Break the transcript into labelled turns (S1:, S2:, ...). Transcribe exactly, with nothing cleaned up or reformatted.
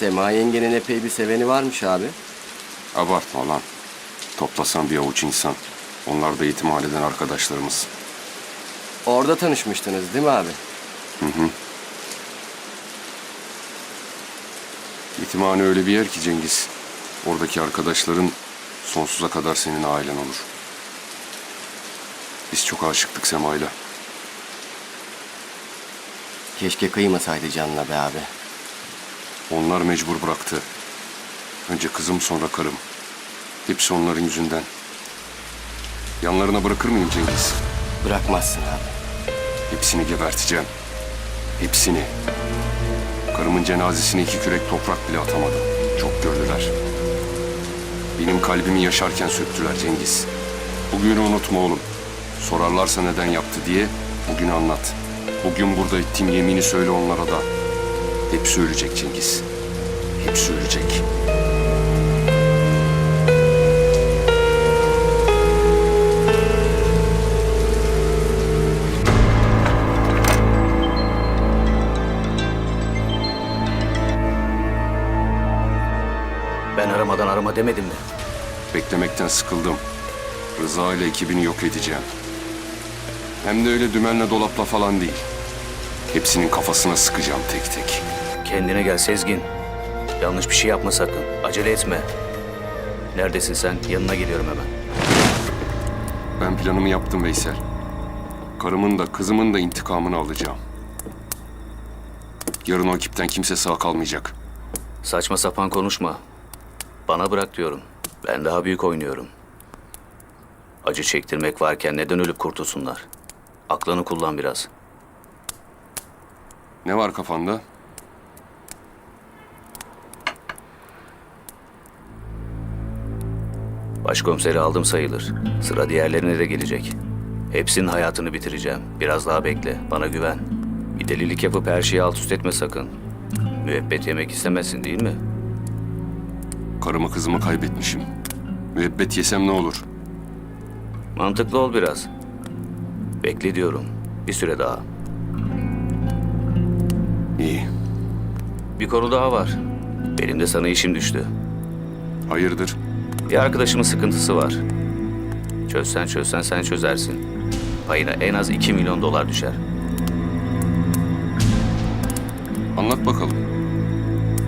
S1: Sema yengenin epey bir seveni varmış abi.
S2: Abartma lan. Toplasan bir avuç insan. Onlar da yetimhaneden arkadaşlarımız.
S1: Orada tanışmıştınız değil mi abi?
S2: Hı hı. Yetimhane öyle bir yer ki Cengiz. Oradaki arkadaşların sonsuza kadar senin ailen olur. Biz çok aşıktık Sema'yla.
S1: Keşke kıymasaydı canına be abi.
S2: Onlar mecbur bıraktı. Önce kızım sonra karım. Hepsi onların yüzünden. Yanlarına bırakır mıyım Cengiz?
S1: Bırakmazsın abi.
S2: Hepsini geberteceğim. Hepsini. Karımın cenazesine iki kürek toprak bile atamadım. Çok gördüler. Benim kalbimi yaşarken söktüler Cengiz. Bugünü unutma oğlum. Sorarlarsa neden yaptı diye bugün anlat. Bugün burada ettiğim yemini söyle onlara da. Hepsi ölecek Cengiz. Hepsi ölecek.
S3: Ben aramadan arama demedim mi?
S2: Beklemekten sıkıldım. Rıza ile ekibini yok edeceğim. Hem de öyle dümenle dolapla falan değil. Hepsinin kafasına sıkacağım tek tek.
S3: Kendine gel Sezgin. Yanlış bir şey yapma sakın. Acele etme. Neredesin sen? Yanına geliyorum hemen.
S2: Ben planımı yaptım Veysel. Karımın da kızımın da intikamını alacağım. Yarın o ekipten kimse sağ kalmayacak.
S3: Saçma sapan konuşma. Bana bırak diyorum. Ben daha büyük oynuyorum. Acı çektirmek varken neden ölüp kurtulsunlar? Aklını kullan biraz.
S2: Ne var kafanda?
S3: Başkomiseri aldım sayılır. Sıra diğerlerine de gelecek. Hepsinin hayatını bitireceğim. Biraz daha bekle. Bana güven. Bir delilik yapıp her şeyi alt üst etme sakın. Müebbet yemek istemezsin değil mi?
S2: Karımı kızımı kaybetmişim. Müebbet yesem ne olur?
S3: Mantıklı ol biraz. Bekle diyorum. Bir süre daha.
S2: İyi.
S3: Bir konu daha var. Benim de sana işim düştü.
S2: Hayırdır?
S3: Bir arkadaşımın sıkıntısı var. Çözsen çözsen sen çözersin. Payına en az iki milyon dolar düşer.
S2: Anlat bakalım.